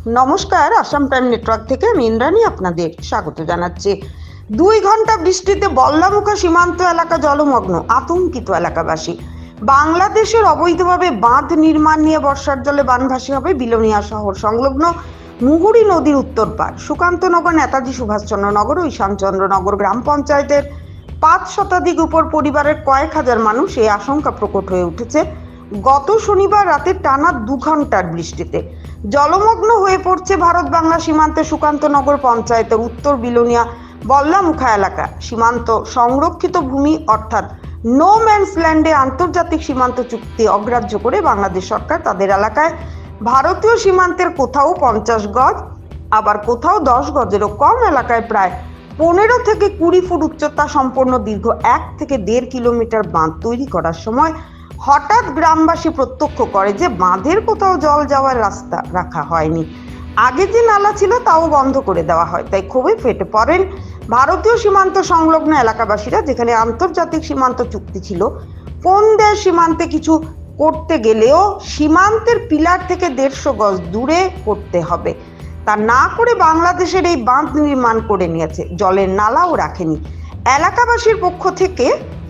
নমস্কার, Assam prime network থেকে আমি ইন্দ্রাণী আপনাদের স্বাগত জানাচ্ছি। 2 ঘন্টা বৃষ্টিতে বল্লামুখা সীমান্ত এলাকা জলমগ্ন, আতঙ্কিত এলাকাবাসী। বাংলাদেশের অবৈধভাবে বাঁধ নির্মাণ নিয়ে বর্ষার জলে বানভাসী হবে বিলোনিয়া শহর সংলগ্ন মুহুরী নদীর উত্তর পাড়। সুকান্তনগর, নেতাজি সুভাষচন্দ্র নগর ও ঈশানচন্দ্রনগর গ্রাম পঞ্চায়েতের 5 শতাধিক উপর পরিবারের কয়েক হাজার মানুষ এই আশঙ্কা প্রকট হয়ে উঠেছে গত শনিবার রাতে টানা 2 ঘন্টার বৃষ্টিতে। জলমগ্ন হয়ে পড়ছে ভারত বাংলা সীমান্তে সুকান্তনগর পঞ্চায়েতের উত্তর বিলোনিয়া বল্লামুখা এলাকা। সীমান্ত সংরক্ষিত ভূমি অর্থাৎ নো ম্যানস ল্যান্ডে আন্তর্জাতিক সীমান্ত চুক্তি অগ্রাহ্য করে বাংলাদেশ সরকার তাদের এলাকায় ভারতীয় সীমান্তের কোথাও 50 গজ, আবার কোথাও 10 গজেরও কম এলাকায় প্রায় 15 থেকে 20 ফুট উচ্চতা সম্পন্ন দীর্ঘ 1 থেকে 1.5 কিলোমিটার বাঁধ তৈরি করার সময় হঠাৎ গ্রামবাসী প্রত্যক্ষ করে যে বাঁধের কোথাও জল যাওয়ার রাস্তা রাখা হয়নি। আগে যে নালা ছিল তাও বন্ধ করে দেওয়া হয়। তাই ক্ষোভে ফেটে পড়েন ভারতীয় সীমান্ত সংলগ্ন এলাকাবাসীরা। যেখানে আন্তর্জাতিক সীমান্ত চুক্তি ছিল, কোন দেশ সীমান্তে কিছু করতে গেলেও সীমান্তের পিলার থেকে 150 গজ দূরে করতে হবে, তা না করে বাংলাদেশের এই বাঁধ নির্মাণ করে নিয়েছে, জলের নালাও রাখেনি। এলাকাবাসীর পক্ষ থেকে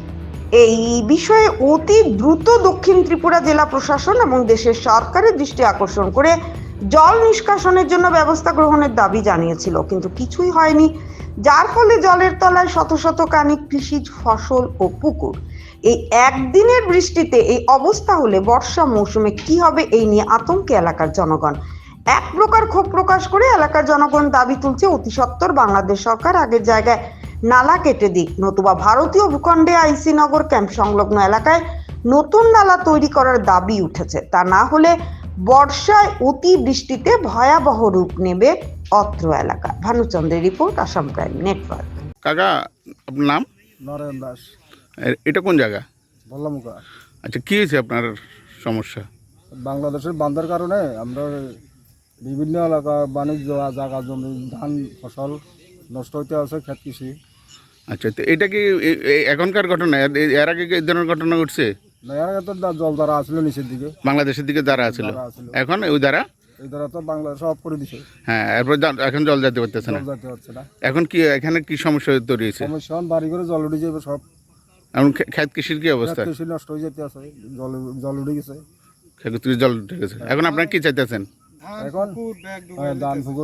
এই বিষয়ে অতি দ্রুত দক্ষিণ ত্রিপুরা জেলা প্রশাসন এবং দেশের সরকারের দৃষ্টি আকর্ষণ করে জল নিষ্কাশনের জন্য ব্যবস্থা গ্রহণের দাবি জানিয়েছিল, কিন্তু কিছুই হয়নি, যার ফলে জলের তলায় শত শত কানিক কৃষিজ ফসল ও পুকুর। এই একদিনের বৃষ্টিতে এই অবস্থা হলে বর্ষা মৌসুমে কি হবে, এই নিয়ে আতঙ্কে এলাকার জনগণ। এক প্রকার ক্ষোভ প্রকাশ করে এলাকার জনগণ দাবি তুলছে অতি সত্বর বাংলাদেশ সরকার আগের জায়গায় নালা কেটে দিক, নতুবা ভারতীয় ভূখণ্ডে আইসি নগর ক্যাম্প সংলগ্ন এলাকায় নতুন নালা তৈরি করার দাবি উঠেছে। তা না হলে বর্ষায় অতি বৃষ্টিতে ভয়াবহ রূপ নেবে অত্র এলাকা। ভানুচন্দ্রের রিপোর্ট, আসাম প্রাইম নেটওয়ার্ক। কাকা, আপনার নাম? নরেন দাস, এটা কোন জায়গা? বল্লামুখা। আচ্ছা, কি হয়েছে আপনার সমস্যা? বাংলাদেশের বাঁধের কারণে আমরা বিভিন্ন এলাকা বাণিজ্য জায়গা জমি ধান ফসল নষ্ট হইতে আছে, ক্ষেত কৃষি। আচ্ছা, তো এটা কি এখনকার ঘটনা? এর আগে কি এই ধরনের ঘটনা ঘটছে? না, এর আগে তো জল দ্বারা আসছিল নিচের দিকে, বাংলাদেশের দিকে দ্বারা আছিল, এখন ওই দ্বারা এই দ্বারা তো বাংলাদেশ সব করে দিছে। হ্যাঁ, এরপর এখন জল যেতে পারতেছে না। জল যেতে হচ্ছে না। এখন কি এখানে কি সমস্যা তৈরি হয়েছে? সমস্যা বাড়ি করে জল উঠে যাবে সব। এখন ক্ষেত কৃষির কি অবস্থা? কৃষি নষ্ট হয়ে যেতে আছে, জল উঠে গেছে। ক্ষেত কৃষি জল উঠে গেছে। এখন আপনারা কি চাইতেছেন? এখন ধান পুকুর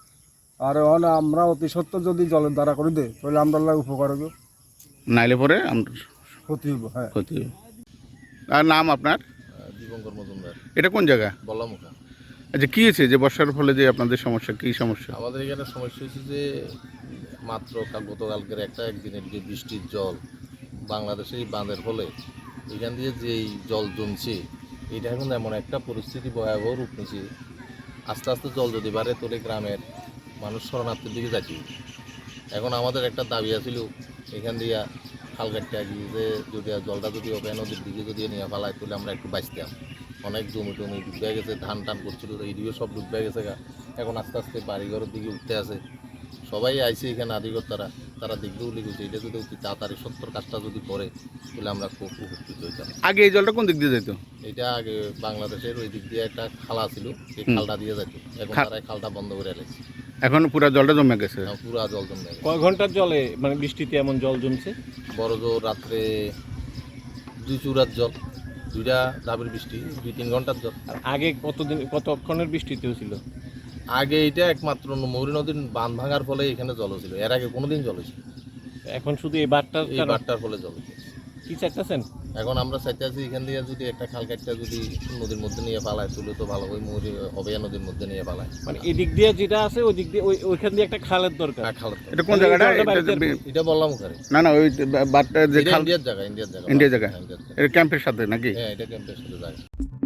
আর আমরা অতি সত্ত্বর যদি জলের দ্বারা করে দেয় তাহলে আমরা উপকার হবে, নাইলে পরে ক্ষতি হইব। হ্যাঁ, ক্ষতি হবে। আর নাম আপনার? দীপঙ্কর মজুমদার, এটা কোন জায়গা? বল্লামুখা। আচ্ছা, কি হয়েছে যে বর্ষার ফলে যে আপনাদের সমস্যা, কি সমস্যা? আমাদের এখানে সমস্যা হচ্ছে যে মাত্র গতকালকের একদিনের যে বৃষ্টির জল বাংলাদেশের এই বাঁধের ফলে এখান দিয়ে যেই জল জমছে, এটা এখন এমন একটা পরিস্থিতি ভয়াবহ রূপ নিচ্ছে। আস্তে আস্তে জল যদি বাড়ে তোলে গ্রামের মানুষ শরণার্থীর দিকে যাচ্ছে। এখন আমাদের একটা দাবি আছিল এখান দিয়ে খাল কাটতে গিয়ে যে যদি জলটা যদি হবে নদীর দিকে যদি নিয়ে ফেলায় তাহলে আমরা একটু বাঁচতাম। অনেক জমি টমি ডুবে গেছে, ধান টান করছিল, এইদিকে সব ডুবে গেছে। এখন আস্তে আস্তে বাড়িঘরের দিকে উঠতে আছে। সবাই আইছে এখানে আধিকর্তারা, তারা দেখবেও লিখেছে এটা যদি অতি তাড়াতাড়ি সত্তর কাজটা যদি করে তাহলে আমরা খুব উপকৃত হইতাম। আগে এই জলটা কোন দিক দিয়ে যেত? এটা আগে বাংলাদেশের ওই দিক দিয়ে একটা খালা ছিল, সেই খালটা দিয়ে যেত। এখন তারা খালটা বন্ধ করে এলেছে। এখন পুরো জলটা জমে গেছে। পুরা জল জমে গেছে। কয় ঘন্টার জলে মানে বৃষ্টিতে এমন জল জমছে? বড় জোর রাত্রে 2 চূড়ার জল, 2টা ধাপের বৃষ্টি, 2-3 ঘন্টার জল। আর আগে কতক্ষণের বৃষ্টিতে ছিল? আগে এটা একমাত্র মুহুরী নদীর বাঁধ ভাঙার ফলে এখানে জল ছিল, এর আগে কোনোদিন জল ছিল। এখন শুধু এই বারটার ফলে জল হয়েছে। কি চাইতেছেন? এখন আমরা চাইতে আছি এখান দিয়ে যদি একটা খাল কাটটা যদি নদীর মধ্যে নিয়ে পালায় তুলে তো ভালো, ওই মুহুরী অবেয়া নদীর মধ্যে নিয়ে পালায়। মানে এদিক দিয়ে যেটা আছে ওই দিক দিয়ে ওইখান দিয়ে একটা খালের দরকার। খালের এটা কোন জায়গাটা? এটা বল্লামুখারে। না না, ওই বাটটা যে খাল, ইন্ডিয়ার জায়গা। ইন্ডিয়া জায়গা, এটা ক্যাম্পের সাথে নাকি? হ্যাঁ, এটা ক্যাম্পের সাথে জায়গা।